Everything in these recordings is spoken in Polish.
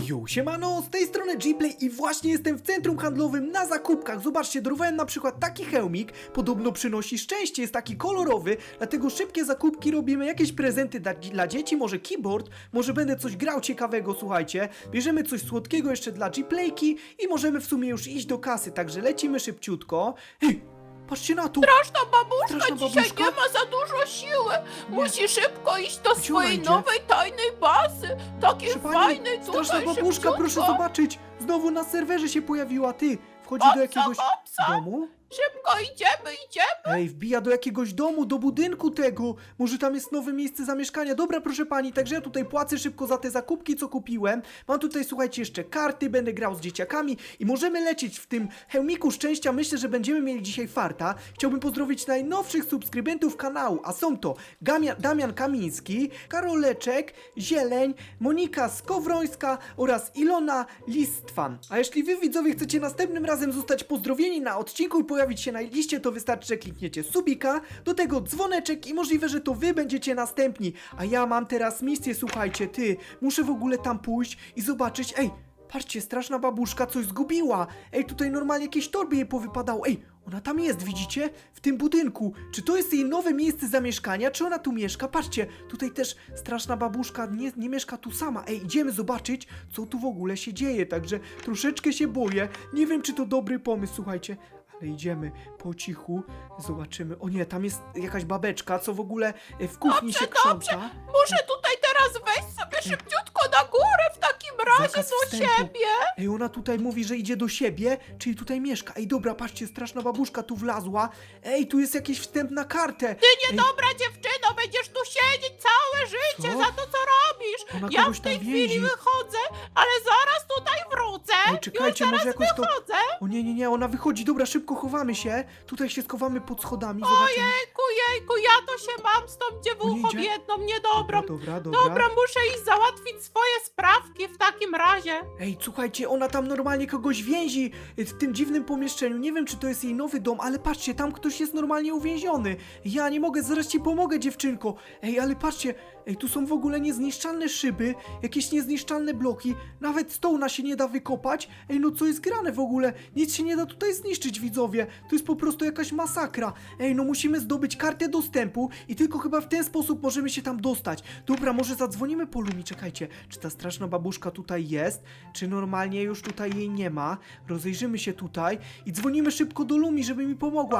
Yo, siemano, z tej strony Gplay i właśnie jestem w centrum handlowym na zakupkach. Zobaczcie, dorwałem na przykład taki hełmik, podobno przynosi szczęście, jest taki kolorowy, dlatego szybkie zakupki robimy, jakieś prezenty dla dzieci, może keyboard, może będę coś grał ciekawego, słuchajcie. Bierzemy coś słodkiego jeszcze dla Gplayki i możemy w sumie już iść do kasy, także lecimy szybciutko. Hej! Patrzcie na to! Straszna babuszka Straszna dzisiaj babuszka? nie ma za dużo siły. Musi szybko iść do Gdzie ona swojej idzie? nowej tajnej bazy. Takiej Proszę pani, fajnej tutaj straszna babuszka, szybciutko. proszę zobaczyć! Znowu na serwerze się pojawiła, ty! Wchodzi do Hopsa, jakiegoś hopsa. domu? Szybko idziemy. Ej, wbija do jakiegoś domu, do budynku tego. Może tam jest nowe miejsce zamieszkania. Dobra, proszę pani, także ja tutaj płacę szybko za te zakupki, co kupiłem. Mam tutaj, słuchajcie, jeszcze karty, będę grał z dzieciakami i możemy lecieć w tym hełmiku szczęścia. Myślę, że będziemy mieli dzisiaj farta. Chciałbym pozdrowić najnowszych subskrybentów kanału, a są to Damian Kamiński, Karoleczek, Zieleń, Monika Skowrońska oraz Ilona Listwan. A jeśli wy, widzowie, chcecie następnym razem zostać pozdrowieni na odcinku i pojawić się na liście, to wystarczy, że klikniecie subika, do tego dzwoneczek i możliwe, że to wy będziecie następni. A ja mam teraz misję, słuchajcie, muszę w ogóle tam pójść i zobaczyć, patrzcie, straszna babuszka coś zgubiła. Tutaj normalnie jakieś torby jej powypadało. Ona tam jest, widzicie? W tym budynku. Czy to jest jej nowe miejsce zamieszkania? Czy ona tu mieszka? Patrzcie, tutaj też straszna babuszka nie mieszka tu sama. Idziemy zobaczyć, co tu w ogóle się dzieje. Także troszeczkę się boję. Nie wiem, czy to dobry pomysł, słuchajcie. Ale idziemy po cichu, zobaczymy. O nie, tam jest jakaś babeczka, co w ogóle w kuchni się krząta. Muszę tutaj teraz wejść sobie szybciutko na górę w takim razie Zakaz do wstępu. siebie. Ona tutaj mówi, że idzie do siebie, czyli tutaj mieszka. Dobra, patrzcie, straszna babuszka tu wlazła. Tu jest jakiś wstęp na kartę. Ty niedobra dziewczyno, będziesz tu siedzieć całe życie Co? za to, co robisz. Ona Ja kogoś w tam tej chwili więzi. wychodzę, ale zaraz tutaj wrócę. Czekajcie, Już może zaraz jakoś to... wychodzę. O nie, ona wychodzi. Dobra, szybko chowamy się. Tutaj się schowamy pod schodami, zobaczymy. Jejku, ja to się mam z tą dziewuchą idzie? biedną, niedobrą. Dobra. Dobra, muszę iść załatwić swoje sprawki w takim razie. Słuchajcie, ona tam normalnie kogoś więzi w tym dziwnym pomieszczeniu. Nie wiem, czy to jest jej nowy dom, ale patrzcie, tam ktoś jest normalnie uwięziony. Ja nie mogę, zaraz ci pomogę, dziewczynko. Ale patrzcie, tu są w ogóle niezniszczalne szyby, jakieś niezniszczalne bloki, nawet stołna się nie da wykopać. No co jest grane w ogóle? Nic się nie da tutaj zniszczyć, widzowie. To jest po prostu jakaś masakra. No musimy zdobyć kartę dostępu i tylko chyba w ten sposób możemy się tam dostać. Dobra, może zadzwonimy po Lumi, czekajcie. Czy ta straszna babuszka tutaj jest? Czy normalnie już tutaj jej nie ma? Rozejrzymy się tutaj i dzwonimy szybko do Lumi, żeby mi pomogła.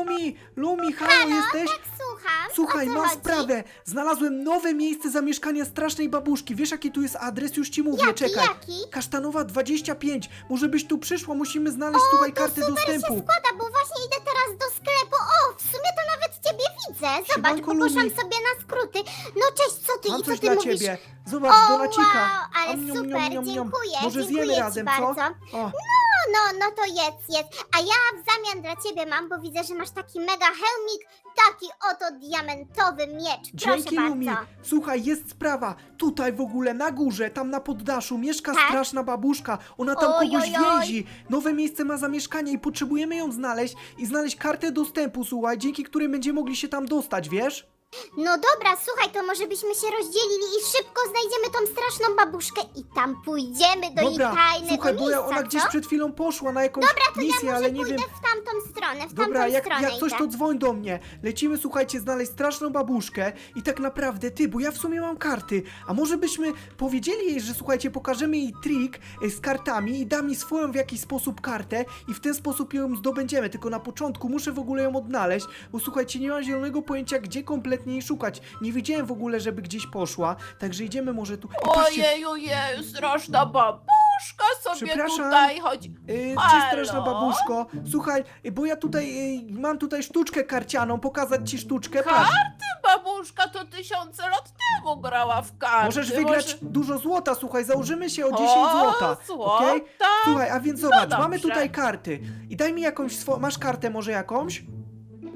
Lumi, halo, jesteś? Tak, słucham. Słuchaj, O co mam chodzi? sprawę. Znalazłem nowe miejsce zamieszkania strasznej babuszki. Wiesz, jaki tu jest adres? Już ci mówię, czekaj. Jaki? Kasztanowa 25. Może byś tu przyszła, musimy znaleźć tutaj kartę Super dostępu. się składa, bo właśnie idę teraz do sklepu. O, w sumie to nawet ciebie widzę. Zobacz, Siemanko, poproszę Lumi. sobie na skróty. No cześć, co ty Mam i co coś ty dla mówisz? ciebie. Zobacz, O, donacika. wow, ale Am, niam, super, niam, niam, niam. dziękuję, Może dziękuję zjemy ci razem, bardzo. co? O. No to jedz. A ja w zamian dla ciebie mam, bo widzę, że masz taki mega hełmik, taki oto diamentowy miecz. Proszę Dzięki, bardzo. Lumi. Słuchaj, jest sprawa. Tutaj w ogóle na górze, tam na poddaszu mieszka Tak? straszna babuszka. Ona tam Oj, kogoś oj, oj. więzi. Nowe miejsce ma zamieszkanie i potrzebujemy ją znaleźć i znaleźć kartę dostępu, słuchaj, dzięki której będziemy mogli się tam dostać, wiesz? No dobra, słuchaj, to może byśmy się rozdzielili i szybko znajdziemy tą straszną babuszkę i tam pójdziemy do jej tajnego słuchaj, bo miejsca, ona gdzieś co? przed chwilą poszła na jakąś Dobra, to misję, ja może ale nie pójdę wiem. w tamtą stronę, Dobra, jak stronę coś, idę. to dzwoń do mnie. Lecimy, słuchajcie, znaleźć straszną babuszkę i tak naprawdę bo ja w sumie mam karty, a może byśmy powiedzieli jej, że słuchajcie, pokażemy jej trik z kartami i da mi swoją w jakiś sposób kartę i w ten sposób ją zdobędziemy, tylko na początku muszę w ogóle ją odnaleźć, bo słuchajcie, nie mam zielonego pojęcia, gdzie kompletnie jej szukać. Nie widziałem w ogóle, żeby gdzieś poszła, także idziemy może tu. Patrzcie, Ojej, straszna babuszka sobie Przepraszam. tutaj chodzi. Cześć, Halo? straszna babuszko. Słuchaj, bo ja tutaj mam tutaj sztuczkę karcianą, pokazać ci sztuczkę, patrz. Babuszka to tysiące lat temu grała w karty. Możesz wygrać dużo złota, słuchaj, założymy się o 10 O, złota. złota? Okej? Słuchaj, a więc zobacz, No mamy dobrze. tutaj karty. I daj mi jakąś masz kartę może jakąś?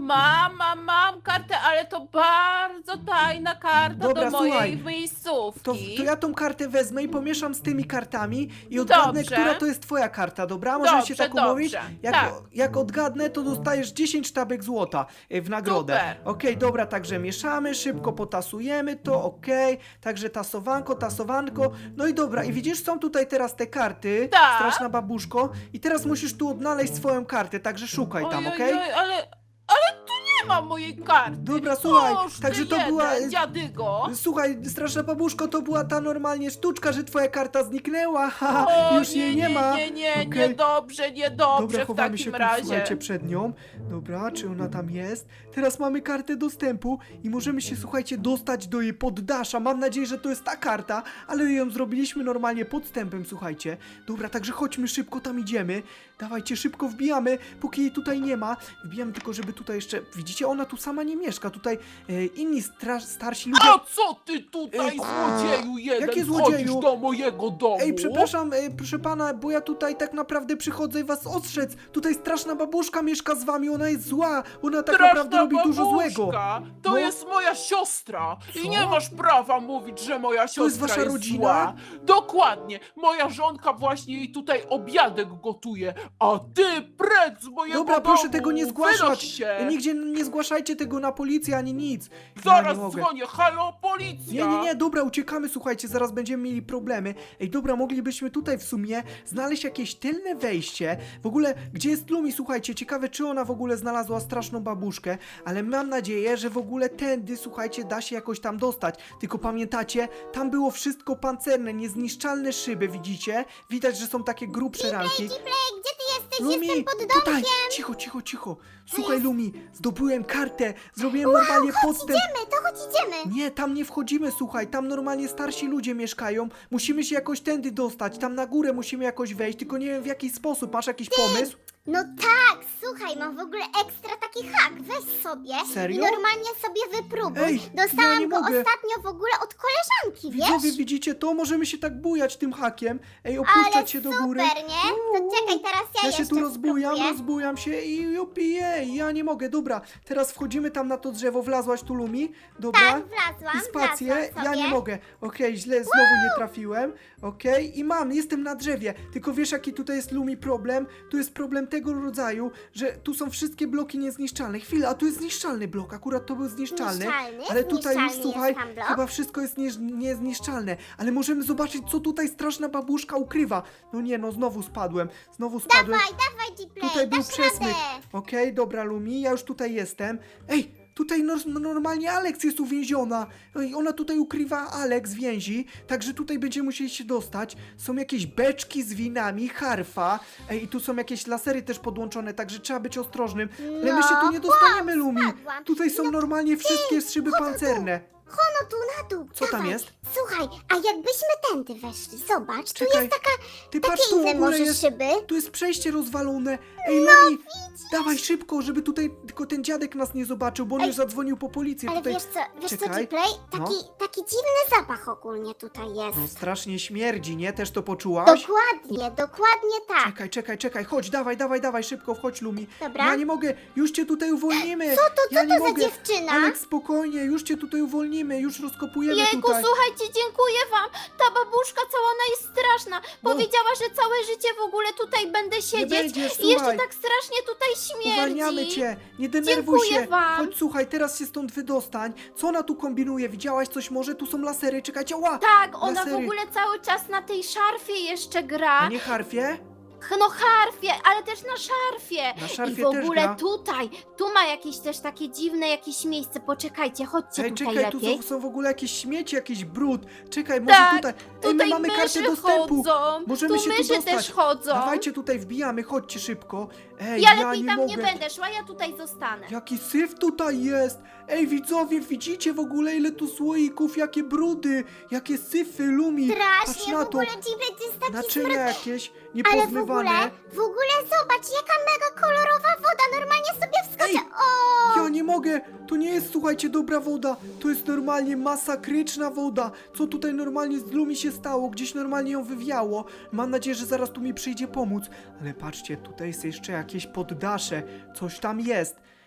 Mam kartę, ale to bardzo tajna karta Dobra, do mojej słuchaj. miejscówki. To ja tą kartę wezmę i pomieszam z tymi kartami i odgadnę, Dobrze. która to jest twoja karta, dobra? Możemy się Dobrze, tak umówić? dobrze. Jak, Tak. jak odgadnę, to dostajesz 10 sztabek złota w nagrodę. Super. Okej, dobra, także mieszamy, szybko potasujemy to, okej. Także tasowanko. No i dobra, i widzisz, są tutaj teraz te karty, Tak. straszna babuszko, i teraz musisz tu odnaleźć swoją kartę, także szukaj tam, okej? Ojej, ale tu nie ma mojej karty. Dobra, słuchaj, Boż, także ty to była- jeden, dziadygo. Słuchaj, straszna babuszko, to była ta normalnie sztuczka, że twoja karta zniknęła, haha, O, już jej nie ma. Nie, Okej. niedobrze Dobra, w chowamy się takim tu, razie. słuchajcie, przed nią. Dobra, czy ona tam jest? Teraz mamy kartę dostępu i możemy się, słuchajcie, dostać do jej poddasza. Mam nadzieję, że to jest ta karta, ale ją zrobiliśmy normalnie podstępem, słuchajcie. Dobra, także chodźmy szybko, tam idziemy. Dawajcie, szybko wbijamy, póki jej tutaj nie ma. Wbijamy tylko, żeby tutaj jeszcze... Widzicie, ona tu sama nie mieszka. Tutaj inni starsi ludzie... A co ty tutaj, Ej, złodzieju jeden, jakie wchodzisz złodzieju? do mojego domu? Ej, przepraszam, proszę pana, bo ja tutaj tak naprawdę przychodzę i was ostrzec. Tutaj straszna babuszka mieszka z wami, ona jest zła. Ona tak Straszna naprawdę robi dużo złego. babuszka, To No. jest moja siostra Co? i nie masz prawa mówić, że moja siostra jest wasza rodzina? zła. Dokładnie, moja żonka właśnie jej tutaj obiadek gotuje, a ty precz z mojego Dobra, domu. proszę tego nie Wynoś zgłaszać. się. Nigdzie nie zgłaszajcie tego na policję ani nic. Ja Zaraz nie mogę. dzwonię, halo policja. Nie, dobra, uciekamy, słuchajcie, zaraz będziemy mieli problemy. Ej, dobra, moglibyśmy tutaj w sumie znaleźć jakieś tylne wejście. W ogóle, gdzie jest Lumi, słuchajcie, ciekawe, czy ona w ogóle znalazła straszną babuszkę, ale mam nadzieję, że w ogóle tędy, słuchajcie, da się jakoś tam dostać. Tylko pamiętacie, tam było wszystko pancerne, niezniszczalne szyby, widzicie? Widać, że są takie grubsze ramki. Gdzie ty jesteś? Lumi, Jestem pod tutaj, domkiem. cicho. Słuchaj, Lumi, zdobyłem kartę, zrobiłem normalnie podstęp. Chodź idziemy. Nie, tam nie wchodzimy, słuchaj, tam normalnie starsi ludzie mieszkają, musimy się jakoś tędy dostać, tam na górę musimy jakoś wejść, tylko nie wiem w jaki sposób, masz jakiś pomysł? No tak, słuchaj, mam w ogóle ekstra taki hak. Weź sobie Serio? i normalnie sobie wypróbuj. Ej, Dostałam ja nie go mogę. ostatnio w ogóle od koleżanki, Widzowie, wiesz? widzicie to? Możemy się tak bujać tym hakiem, ej, Ale opuszczać się do góry. super, nie? To czekaj, teraz ja Ja się jeszcze tu rozbujam spróbuję. się i jupiję, ja nie mogę, dobra, teraz wchodzimy tam na to drzewo, wlazłaś tu, Lumi? Dobra. Tak, wlazłam, I spację, wlazłam ja sobie. nie mogę. Okej, źle, znowu nie trafiłem. Okej, i jestem na drzewie. Tylko wiesz, jaki tutaj jest, Lumi, problem? Tu jest problem tego rodzaju, że tu są wszystkie bloki niezniszczalne. Chwila, a tu jest zniszczalny blok, akurat to był zniszczalny. Zniszczalny? Ale tutaj już, Zniszczalny słuchaj, jest tam blok? chyba wszystko jest niezniszczalne. Ale możemy zobaczyć, co tutaj straszna babuszka ukrywa. No nie, no znowu spadłem. Dawaj, G-Play, Tutaj był dasz przesmyk. radę. Okej, dobra, Lumi, ja już tutaj jestem. Ej, tutaj normalnie Alex jest uwięziona. Ej, ona tutaj ukrywa Alex więzi, także tutaj będziemy musieli się dostać. Są jakieś beczki z winami, harfa. Ej, i tu są jakieś lasery też podłączone, także trzeba być ostrożnym. Ale my się tu nie dostaniemy, Lumi. spadłam. Tutaj są normalnie wszystkie szyby pancerne. Hono tu na dół. Co tam dawaj. jest? Słuchaj, a jakbyśmy tędy weszli, zobacz, tu Czekaj, jest taka, Ty takie patrz, tu w inne ogóle może jest... szyby. Tu jest przejście rozwalone. Ej, Lumi, dawaj szybko, żeby tutaj tylko ten dziadek nas nie zobaczył, bo on Ej, już zadzwonił po policję. Ale tutaj... wiesz co, Czekaj. G-Play? No. Taki dziwny zapach ogólnie tutaj jest. No strasznie śmierdzi, nie? Też to poczułaś? Dokładnie tak. Czekaj, chodź, dawaj, szybko, wchodź, Lumi. Dobra. Ja nie mogę, już cię tutaj uwolnimy. Co ja to nie za mogę. dziewczyna? Aleks, spokojnie, już cię tutaj uwolnimy, już rozkopujemy Jejku, tutaj. słuchajcie, dziękuję wam. Ta babuszka cała, ona jest straszna. No. Powiedziała, że całe życie w ogóle tutaj będę siedzieć. będziesz, I jeszcze słuchaj. tak strasznie tutaj śmierdzi. Uwalniamy cię, nie denerwuj Dziękuję się. wam. Chodź, słuchaj, teraz się stąd wydostań. Co ona tu kombinuje? Widziałaś coś może? Tu są lasery, czekajcie, ła! Tak, ona Lasery. w ogóle cały czas na tej szarfie jeszcze gra. A nie harfie? No harfie, ale też na szarfie. Na szarfie I w też ogóle gra. tutaj, tu ma jakieś też takie dziwne jakieś miejsce. Poczekajcie, chodźcie Ej, tutaj czekaj, tu lepiej. są w ogóle jakieś śmieci, jakiś brud. Czekaj, może Tak, tutaj. Ej, my Tutaj mamy kartę myszy dostępu. chodzą, Możemy tu się tu myszy dostać. też chodzą. Dawajcie tutaj, wbijamy, chodźcie szybko. Ej, Ja ja lepiej nie tam mogę. nie będę szła, ja tutaj zostanę. Jaki syf tutaj jest! Ej, widzowie, widzicie w ogóle ile tu słoików, jakie brudy, jakie syfy, Lumi. Patrz Strasznie, na w to. ogóle G-Play to jest taki Naczynia smród. jakieś, Ale niepozmywane. w ogóle zobacz, jaka mega kolorowa woda, normalnie sobie wskoczę. Ej, ja nie mogę, to nie jest, słuchajcie, dobra woda, to jest normalnie masakryczna woda. Co tutaj normalnie z Lumi się stało? Gdzieś normalnie ją wywiało. Mam nadzieję, że zaraz tu mi przyjdzie pomóc. Ale patrzcie, tutaj jest jeszcze jakieś poddasze, coś tam jest.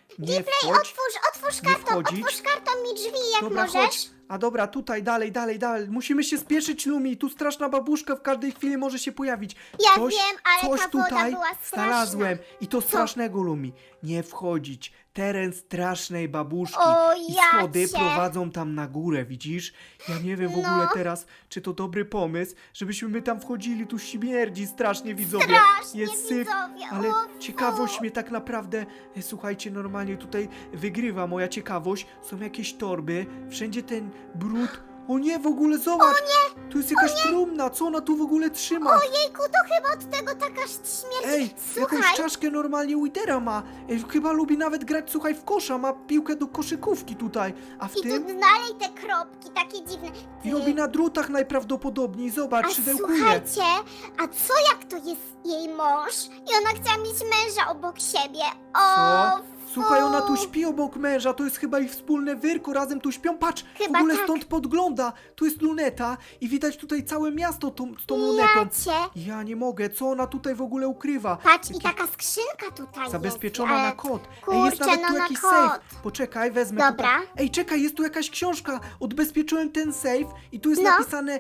Nie wchodź. Otwórz Nie karton, wchodzić. otwórz karton mi drzwi, jak Dobra, możesz. chodź. A dobra, tutaj, dalej. Musimy się spieszyć, Lumi. Tu straszna babuszka w każdej chwili może się pojawić. Ja wiem, ale coś ta woda tutaj była straszna. znalazłem. I to strasznego, Lumi. Nie wchodzić. Teren strasznej babuszki. O, I ja schody cię. prowadzą tam na górę, widzisz? Ja nie wiem w No. ogóle teraz, czy to dobry pomysł, żebyśmy my tam wchodzili. Tu śmierdzi strasznie, widzowie. Strasznie, Jest syf, widzowie, ale o, ciekawość mnie tak naprawdę, słuchajcie, normalnie tutaj wygrywa moja ciekawość. Są jakieś torby, wszędzie ten brud. O nie, w ogóle zobacz! Tu jest jakaś trumna, co ona tu w ogóle trzyma? Ojejku, to chyba od tego taka śmierć. Ej, Słuchaj, jakąś czaszkę normalnie Widera ma. Chyba lubi nawet grać, słuchaj, w kosza, ma piłkę do koszykówki tutaj. A w i tu tym dalej te kropki, takie dziwne. i robi na drutach najprawdopodobniej, zobacz, A szydełkuje. słuchajcie, a co jak to jest jej mąż i ona chciała mieć męża obok siebie? O, Co? Słuchaj, ona tu fu. śpi obok męża, to jest chyba ich wspólne wyrko, razem tu śpią, patrz, Chyba w ogóle tak. stąd podgląda, tu jest luneta i widać tutaj całe miasto z tą Ja lunetą. cię. Ja nie mogę, co ona tutaj w ogóle ukrywa? Patrz, i Jakiś- taka skrzynka tutaj Zabezpieczona jest. na ale- kod. Ej, kurczę, jest nawet no tu na jakiś kod. safe. Poczekaj, wezmę Dobra. tutaj. Ej, czekaj, jest tu jakaś książka. Odbezpieczyłem ten safe i tu jest No. napisane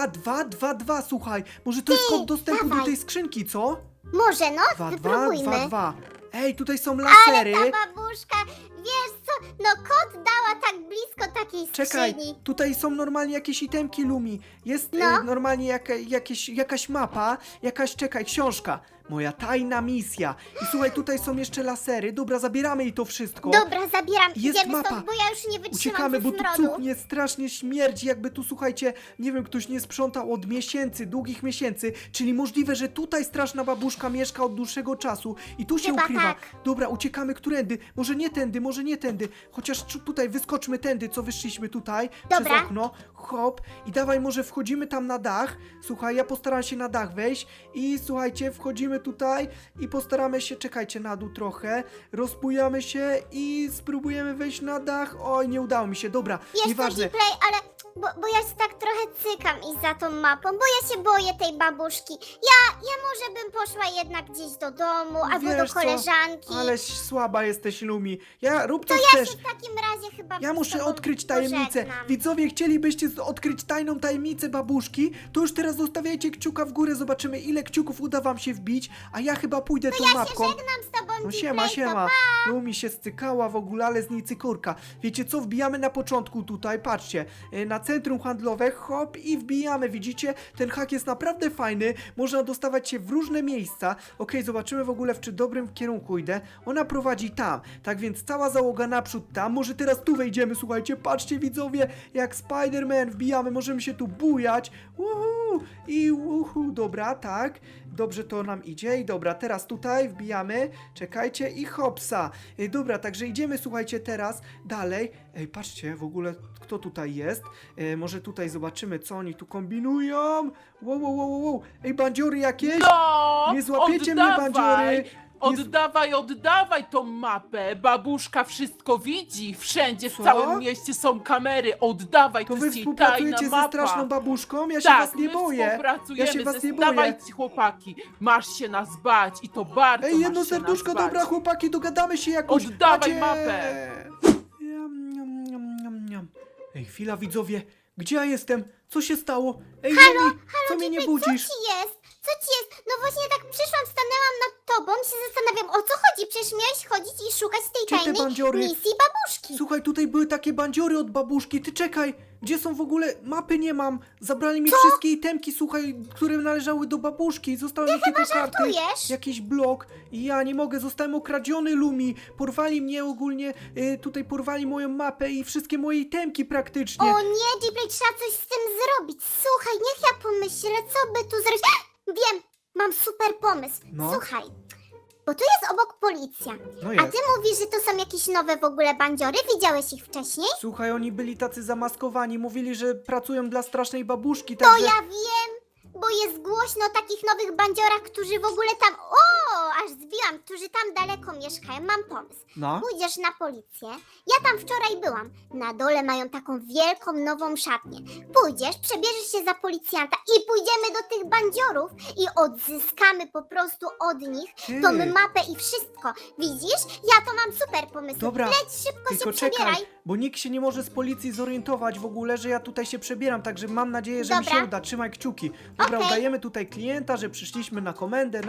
2222, słuchaj. Może to jest kod dostępu do dawaj. tej skrzynki, co? Może no, wypróbujmy. 2222. Ej, tutaj są lasery. Ale ta babuszka, wiesz co, no kot dała tak blisko takiej Czekaj, skrzyni. tutaj są normalnie jakieś itemki, Lumi. Jest No. normalnie jakaś mapa, czekaj, książka. Moja tajna misja. I słuchaj, tutaj są jeszcze lasery. Dobra, zabieramy jej to wszystko. Dobra, zabieram, Jest idziemy mapa. stąd, bo ja już nie wytrzymam Uciekamy, ze bo tu smrodu. cuchnie, strasznie śmierdzi, jakby tu, słuchajcie, nie wiem, ktoś nie sprzątał od miesięcy, długich miesięcy, czyli możliwe, że tutaj straszna babuszka mieszka od dłuższego czasu i tu się Chyba ukrywa. tak. Dobra, uciekamy którędy, może nie tędy, chociaż tutaj wyskoczmy tędy, co wyszliśmy tutaj, Dobra. przez okno, hop, i dawaj, może wchodzimy tam na dach, słuchaj, ja postaram się na dach wejść i słuchajcie, wchodzimy tutaj i postaramy się, czekajcie, na dół trochę, rozbujamy się i spróbujemy wejść na dach, oj, nie udało mi się, dobra, Wiesz co, nieważne. Gplay, ale bo ja się tak trochę cykam i za tą mapą, bo ja się boję tej babuszki. Ja może bym poszła jednak gdzieś do domu, albo Wiesz do co, koleżanki. Ale słaba jesteś, Lumi. Rób co Ja chcesz. się w takim razie chyba Ja z muszę tobą odkryć tajemnicę. pożegnam. Widzowie, chcielibyście odkryć tajną tajemnicę babuszki? To już teraz zostawiajcie kciuka w górę, zobaczymy ile kciuków uda wam się wbić, a ja chyba pójdę tą Ja się mapką. żegnam z tobą, No Gplay, siema, to siema. Lumi się stykała w ogóle, ale z niej cykorka. Wiecie co, wbijamy na początku tutaj, patrzcie, na centrum handlowe, hop i wbijamy, widzicie? Ten hak jest naprawdę fajny, można dostawać się w różne miejsca. Okej, zobaczymy w ogóle, w czy dobrym kierunku idę. Ona prowadzi tam, tak więc cała załoga naprzód tam, może teraz tu wejdziemy, słuchajcie, patrzcie widzowie, jak Spider-Man wbijamy, możemy się tu bujać. Dobra, tak. Dobrze to nam idzie i dobra, teraz tutaj wbijamy, czekajcie i hopsa. Dobra, także idziemy, słuchajcie, teraz dalej. Ej, patrzcie, w ogóle kto tutaj jest. Może tutaj zobaczymy, co oni tu kombinują. Wow. Ej, bandziory jakieś? No! Nie złapiecie mnie, bandziory. Oddawaj tą mapę. Babuszka wszystko widzi. Wszędzie, w Co? całym mieście są kamery. Oddawaj, To to wy jest jej tajna współpracujecie ze mapa. straszną babuszką? Ja się Tak, was nie my boję. współpracujemy. Ja się was nie boję. Dawajcie, chłopaki. Masz się nas bać i to bardzo Ej, jedno masz się serduszko, nas bać. dobra, chłopaki, dogadamy się jakoś. Oddawaj Macie- mapę. Niam. Ej, chwila, widzowie. Gdzie ja jestem? Co się stało? Ej, Lumi, co mnie nie budzisz? Co ci jest? Co ci jest? No właśnie tak przyszłam, stanęłam nad tobą, się zastanawiam, o co chodzi? Przecież miałeś chodzić i szukać tej Gdzie te tajnej bandziory? misji babuszki. Słuchaj, tutaj były takie bandziory od babuszki. Ty czekaj, gdzie są w ogóle? Mapy nie mam. Zabrali mi wszystkie itemki, słuchaj, które należały do babuszki. Zostały mi tylko karty. żartujesz? Jakiś blok. I ja nie mogę, zostałem okradziony, Lumi. Porwali mnie ogólnie, tutaj porwali moją mapę i wszystkie moje itemki praktycznie. O nie, Gplay, trzeba coś z tym zrobić. Słuchaj, niech ja pomyślę, co by tu zrobić. Wiem, mam super pomysł. No. Słuchaj, bo tu jest obok policja. No A jest. ty mówisz, że to są jakieś nowe w ogóle bandziory? Widziałeś ich wcześniej? Słuchaj, oni byli tacy zamaskowani, mówili, że pracują dla strasznej babuszki, To także... ja wiem, bo jest głośno o takich nowych bandziorach, którzy w ogóle tam, o, aż zbiłam, którzy tam daleko mieszkają. Mam pomysł. No. Pójdziesz na policję. Ja tam wczoraj byłam. Na dole mają taką wielką, nową szatnię. Pójdziesz, przebierzesz się za policjanta i pójdziemy do tych bandziorów i odzyskamy po prostu od nich tą Ty. mapę i wszystko. Widzisz? Ja to mam super pomysł. Dobra, Leć szybko tylko się czekaj, przebieraj. bo nikt się nie może z policji zorientować w ogóle, że ja tutaj się przebieram, także mam nadzieję, że mi Dobra. się uda. Trzymaj kciuki. Dobra, Okej. udajemy tutaj klienta, że przyszliśmy na komendę,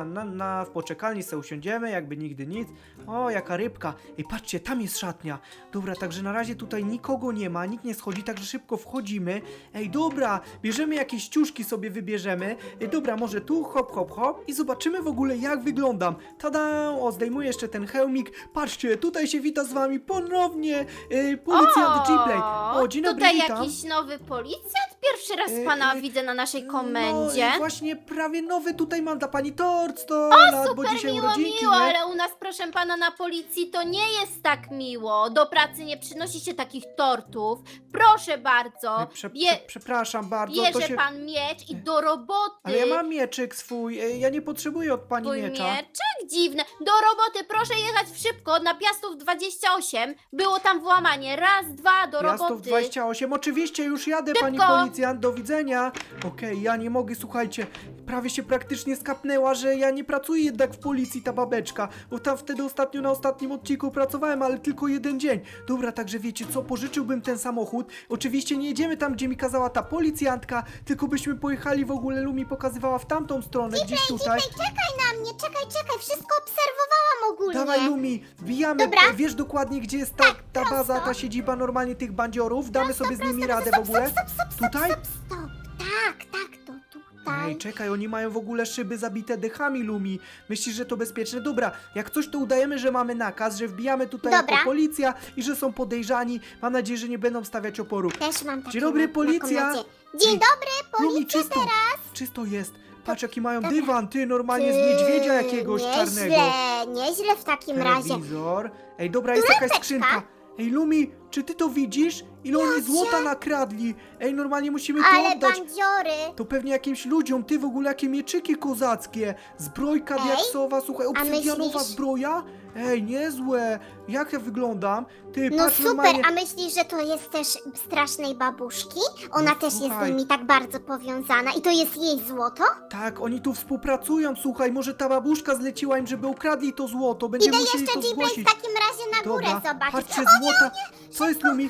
w poczekalni se usiądziemy, jakby nigdy nic. O, jaka rybka. Ej, patrzcie, tam jest szatnia. Dobra, także na razie tutaj nikogo nie ma, nikt nie schodzi, także szybko wchodzimy. Ej, dobra, bierzemy jakieś ciuszki sobie wybierzemy. Ej, dobra, może tu, hop, hop, hop i zobaczymy w ogóle, jak wyglądam. Tada! O, zdejmuję jeszcze ten hełmik. Patrzcie, tutaj się wita z wami ponownie policjant G-Play. O, dzień dobry, tutaj witam. jakiś nowy policjant? Pierwszy raz pana widzę na naszej komendzie. No i właśnie prawie nowy tutaj mam dla pani tort 100 lat, bo Super dzisiaj miło, urodzinki, miło, nie? ale u nas, proszę pana, na policji to nie jest tak miło. Do pracy nie przynosi się takich tortów. Proszę bardzo, Przepraszam bardzo, to bierze się... pan miecz i do roboty. Ale ja mam mieczyk swój, ja nie potrzebuję od pani Twój miecza. mieczek? Dziwne. Do roboty, proszę jechać szybko, na Piastów 28. Było tam włamanie. Raz, dwa, do Piastów roboty. 28, oczywiście już jadę, pani Szybko. policjant, do widzenia. Okej, ja nie mogę, słuchajcie, prawie się praktycznie skapnęła, że ja nie pracuję jednak w policji, ta babeczka, bo tam wtedy ostatnio na ostatnim odcinku pracowałem, ale tylko jeden dzień. Dobra, także wiecie co, pożyczyłbym ten samochód. Oczywiście nie jedziemy tam, gdzie mi kazała ta policjantka, tylko byśmy pojechali w ogóle, Lumi pokazywała w tamtą stronę, gdzieś tutaj. Czekaj na mnie, czekaj, wszystko obserwowałam ogólnie. Dawaj, Lumi, wbijamy, Dobra. wiesz dokładnie, gdzie jest ta baza, ta siedziba normalnie tych bandziorów, damy sobie z nimi radę w ogóle. Tutaj? Stop, tak, to tutaj. Ej, czekaj, oni mają w ogóle szyby zabite dechami, Lumi. Myślisz, że to bezpieczne? Dobra, jak coś to udajemy, że mamy nakaz, że wbijamy tutaj Dobra. jako policja i że są podejrzani. Mam nadzieję, że nie będą stawiać oporu. Też mam takie Dzień dobry, na policja. komendzie. Dzień Ej, dobry, Lumi, policja czysto, teraz. czysto jest. Patrz, jaki mają Dobra. dywan, ty, normalnie z niedźwiedzia jakiegoś czarnego. Nieźle w takim razie. Telewizor. Ej, dobra, jest jakaś skrzynka. Ej, Lumi, czy ty to widzisz? Ile oni złota nakradli? Ej, normalnie musimy to Ale oddać. bandziory. To pewnie jakimś ludziom, ty w ogóle jakie mieczyki kozackie. Zbrojka Ej, diaksowa, słuchaj, obsydianowa myślisz? zbroja. Ej, niezłe. Jak ja wyglądam? Ty, No patrz super, normalnie. a myślisz, że to jest też strasznej babuszki? Ona No też jest słuchaj. z nimi tak bardzo powiązana i to jest jej złoto? Tak, oni tu współpracują, słuchaj, może ta babuszka zleciła im, żeby ukradli to złoto. Będziemy Idę musieli jeszcze to G-Play zgłosić. w takim razie na górę Dobra, zobaczyć. patrzcie, złota. Co jest, Lumi?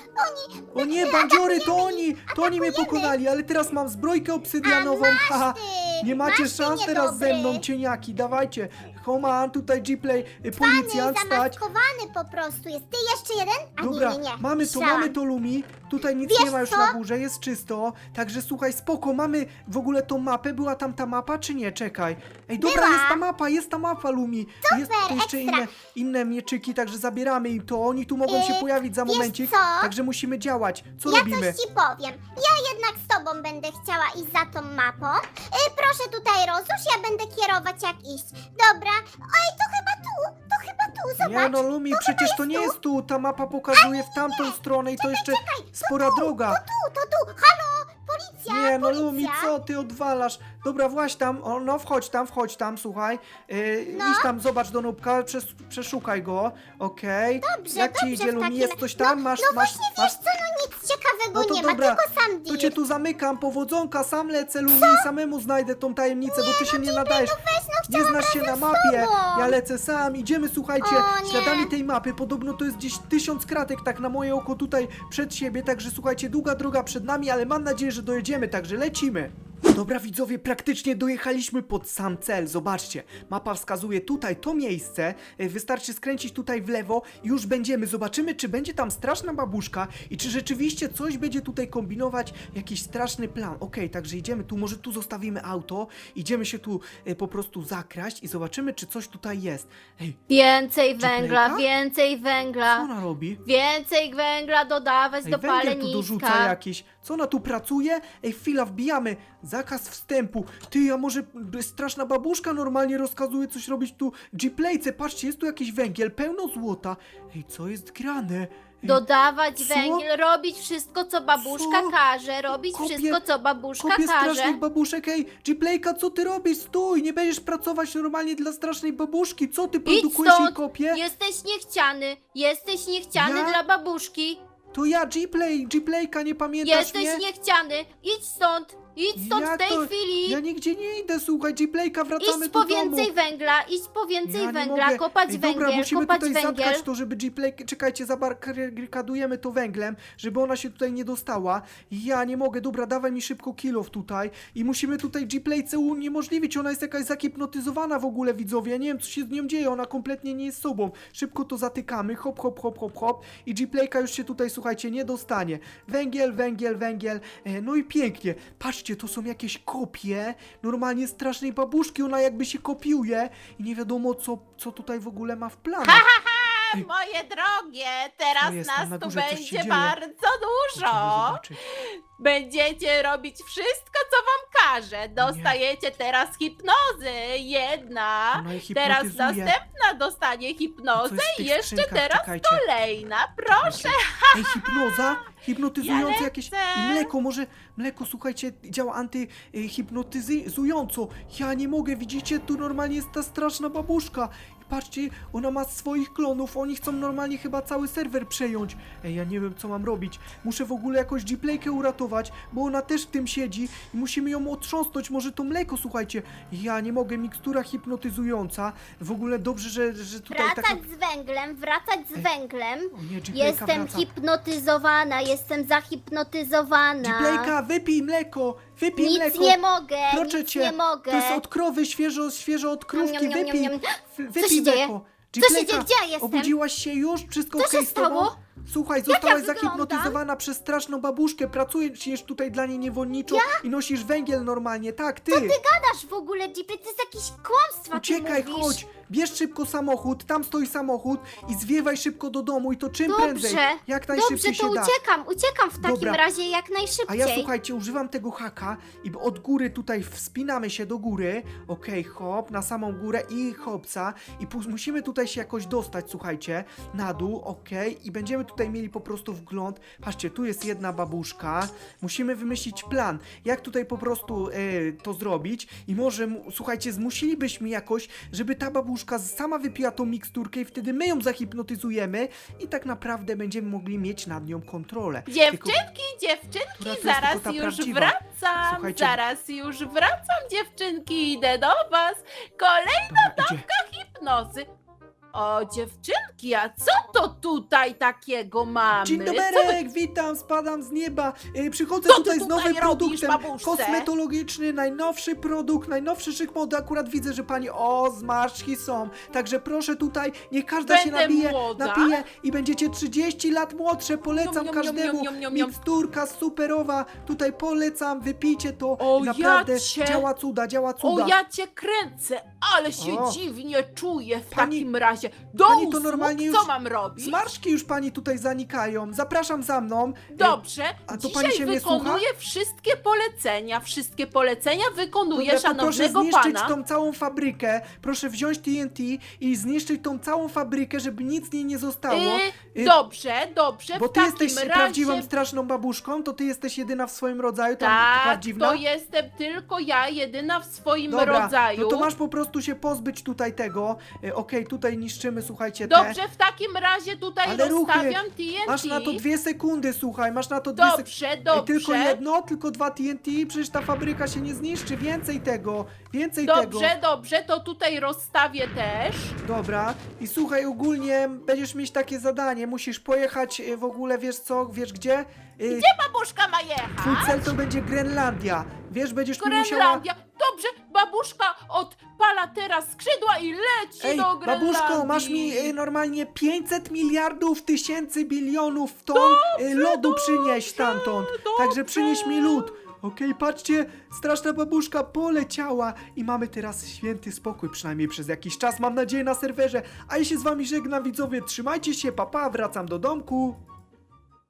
O nie, bandziory, to oni mnie pokonali, ale teraz mam zbrojkę obsydianową. Haha. Ty, Nie macie masz ty szans teraz ze niedobry. mną, cieniaki, dawajcie. Homan, tutaj G-Play, policjant, stać. Zamaskowany po prostu jest. Ty jeszcze jeden? A Dobra, nie. mamy to, Myślałam. mamy to, Lumi. Tutaj nic Wiesz nie ma już co? na górze, jest czysto. Także słuchaj, spoko, mamy w ogóle tą mapę. Była tam ta mapa, czy nie? Czekaj. Ej, dobra, Była. jest ta mapa, Lumi. Jest tu jeszcze ekstra. inne mieczyki, także zabieramy im to. Oni tu mogą się pojawić za wiesz momencik. co? Także musimy działać. Co Ja robimy? coś ci powiem. Ja jednak z tobą będę chciała iść za tą mapą. Proszę tutaj rozłóż, ja będę kierować jak iść. Dobra. Oj, to chyba tu, zobacz. Nie no, Lumi, przecież to nie jest tu. Ta mapa pokazuje w tamtą stronę i to jeszcze spora droga. To tu. Halo, policja, Nie, no policja. Lumi, co ty odwalasz? Dobra, wchodź tam, no wchodź tam, słuchaj. Idź tam, zobacz do Nubka, przeszukaj go, okej. Dobrze, Jak ci dobrze idzie, w Lumi, takim- jest coś tam? No masz, właśnie, wiesz co, no nic ciekawego No to nie dobra, ma, tylko sam to deal. cię tu zamykam, powodzonka, sam lecę, Lumi, i samemu znajdę tą tajemnicę, bo ty się nie nadajesz. Nie znasz się na mapie, tobą. ja lecę sam, idziemy, słuchajcie, O, nie. śladami tej mapy, podobno to jest gdzieś 1000 kratek, tak na moje oko tutaj przed siebie, także słuchajcie, długa droga przed nami, ale mam nadzieję, że dojedziemy, także lecimy. Dobra widzowie, praktycznie dojechaliśmy pod sam cel, zobaczcie, mapa wskazuje tutaj to miejsce, wystarczy skręcić tutaj w lewo i już będziemy, zobaczymy czy będzie tam straszna babuszka i czy rzeczywiście coś będzie tutaj kombinować, jakiś straszny plan. Okej, także idziemy tu, może tu zostawimy auto, idziemy się tu po prostu zakraść i zobaczymy czy coś tutaj jest. Ej, Więcej G-Playka? węgla, więcej co węgla. ona robi? Więcej węgla dodawać Ej, do węgiel tu paleniska. dorzuca jakiś. Co ona tu pracuje? Ej, chwila, wbijamy. Zakaz wstępu. Ty, a może straszna babuszka normalnie rozkazuje coś robić tu G-Playce. Patrzcie, jest tu jakiś węgiel, pełno złota. Ej, co jest grane? Ej, Dodawać Co? węgiel, robić wszystko, co babuszka Co? każe, robić Kopię- wszystko, co babuszka Kopię każe. strasznych babuszek. Ej, G-Playka, co ty robisz? Stój, nie będziesz pracować normalnie dla strasznej babuszki. Co ty Idź produkujesz jej stąd, kopię? jesteś niechciany Ja? dla babuszki. To ja, G-Playka, nie pamiętasz Jesteś mnie? niechciany, idź stąd Jak w tej to? chwili. Ja nigdzie nie idę, słuchaj, G-Playka, wracamy Idź do po domu. więcej węgla, idź po więcej Ja nie węgla, mogę. kopać Ej, dobra, węgiel, musimy kopać tutaj węgiel. zatkać to, żeby G-Play... Czekajcie, zabarykadujemy to węglem, żeby ona się tutaj nie dostała. Ja nie mogę, dobra, dawaj mi szybko kilof tutaj. I musimy tutaj G-Playce uniemożliwić, ona jest jakaś zakipnotyzowana w ogóle, widzowie. Ja nie wiem, co się z nią dzieje, ona kompletnie nie jest sobą. Szybko to zatykamy, hop, hop, hop, hop, hop. I G-Playka już się tutaj, słuchajcie, nie dostanie. Węgiel, węgiel, węgiel. No i pięknie. Patrzcie, to są jakieś kopie normalnie strasznej babuszki, ona jakby się kopiuje i nie wiadomo co tutaj w ogóle ma w planach. Ej. Moje drogie, Co teraz jest? Tam nas na tu górze coś się będzie dzieje. bardzo Musimy dużo. zobaczyć. Będziecie robić wszystko, co wam każę. Dostajecie teraz hipnozy. Jedna. Ona ich Teraz hipnotyzuje. następna dostanie A co hipnozę jest w i tych jeszcze skrzynkach? teraz Czekajcie. kolejna. Proszę. Ej, hipnoza? Hipnotyzujące Ja jakieś... lecę. I mleko, może... Mleko, słuchajcie, działa antyhipnotyzująco. Ja nie mogę, widzicie? Tu normalnie jest ta straszna babuszka. I patrzcie, ona ma swoich klonów. Oni chcą normalnie chyba cały serwer przejąć. Ej, ja nie wiem, co mam robić. Muszę w ogóle jakoś G-Playkę uratować, bo ona też w tym siedzi i musimy ją otrząsnąć. Może to mleko, słuchajcie. Ja nie mogę, mikstura hipnotyzująca. W ogóle dobrze, że tutaj taka... Wracać z węglem, wracać z węglem. O nie, G-Playka Jestem wraca. hipnotyzowana, jestem zahipnotyzowana. G-Playka, wypij mleko! Wypij Nic mleko! nie mogę, Proszę nic cię, nie mogę. To jest od krowy, świeżo od krówki, Niam, niam, niam, wypij! niam. Wypij się dzieje? mleko! Co się G-Playka, dzieje? Gdzie ja jestem? obudziłaś się już? Wszystko Co okej się z tobą? stało? Słuchaj, zostałaś wyglądam? zahipnotyzowana przez straszną babuszkę, pracujesz tutaj dla niej niewolniczo i nosisz węgiel normalnie, tak, ty! Gadasz w ogóle, Jeepy, to jest jakieś kłamstwa, ty Uciekaj, mówisz. chodź! Bierz szybko samochód, tam stoi samochód i zwiewaj szybko do domu i to czym Dobrze, prędzej, jak najszybciej dobrze, się to da. uciekam w takim Dobra. razie jak A najszybciej. ja, słuchajcie, używam tego haka i od góry tutaj wspinamy się do góry. Okej, hop, na samą górę i hopsa. I musimy tutaj się jakoś dostać, słuchajcie, na dół, okej. I będziemy tutaj mieli po prostu wgląd. Patrzcie, tu jest jedna babuszka. Musimy wymyślić plan, jak tutaj po prostu to zrobić. I może, słuchajcie, zmusilibyśmy jakoś, żeby ta babuszka sama wypiła tą miksturkę i wtedy my ją zahipnotyzujemy i tak naprawdę będziemy mogli mieć nad nią kontrolę. Tylko- Dziewczynki, Która to jest zaraz tylko ta już prawdziwa? wracam. Słuchajcie. Zaraz już wracam, dziewczynki, idę do was. Kolejna Dobra, idzie. hipnozy. O, dziewczynki, a co to tutaj takiego mamy? Dzień Co wy doberek, witam, spadam z nieba. Przychodzę Co ty tutaj z tutaj nowym robisz, produktem babuszce? kosmetologiczny, najnowszy produkt, najnowszy szyk mody. Akurat widzę, że pani, zmarszczki są. Także proszę tutaj, niech każda się Będę napije młoda? i będziecie 30 lat młodsze. Polecam Niom, niom, każdemu. niom, niom, niom, niom. Miksturka superowa, tutaj polecam, wypijcie to. O, Naprawdę ja cię- działa cuda, działa O, cuda. ja cię kręcę, ale się O. dziwnie czuję w Pani- takim razie. Do pani to usług, normalnie co już mam robić? Zmarszczki już pani tutaj zanikają. Zapraszam za mną. Dobrze, A to dzisiaj pani się mnie wykonuję wszystkie polecenia wykonuję Dobra, to proszę szanownego zniszczyć pana. tą całą fabrykę. Proszę wziąć TNT i zniszczyć tą całą fabrykę, żeby nic z niej nie zostało. Dobrze, Bo w ty takim jesteś razie... prawdziwą straszną babuszką, to ty jesteś jedyna w swoim rodzaju, tam Tak, prawdziwna. to jestem tylko ja, jedyna w swoim Dobra, rodzaju. no to masz po prostu się pozbyć tutaj tego. Okej, tutaj niszczymy, słuchajcie, Dobrze, w takim razie tutaj Ale ruchy, rozstawiam TNT. Masz na to 2 sekundy, słuchaj, masz na to 2 sekundy. Dobrze, Ej, dobrze. tylko jedno, tylko 2 TNT, przecież ta fabryka się nie zniszczy, więcej tego, więcej tego. Dobrze, to tutaj rozstawię też. Dobra, i słuchaj, ogólnie będziesz mieć takie zadanie, musisz pojechać w ogóle, wiesz co, wiesz gdzie? Babuszka ma jechać. Twój cel to będzie Grenlandia, wiesz, będziesz tu musiała... Grenlandia. Dobrze, babuszka odpala teraz skrzydła i leci Ej, do Grenlandii. babuszko, masz mi normalnie 500 miliardów tysięcy bilionów ton lodu przynieść stamtąd, także przynieś mi lód. Okej, patrzcie, straszna babuszka poleciała i mamy teraz święty spokój, przynajmniej przez jakiś czas, mam nadzieję, na serwerze. A ja się z wami żegnam, widzowie, trzymajcie się, papa, wracam do domku.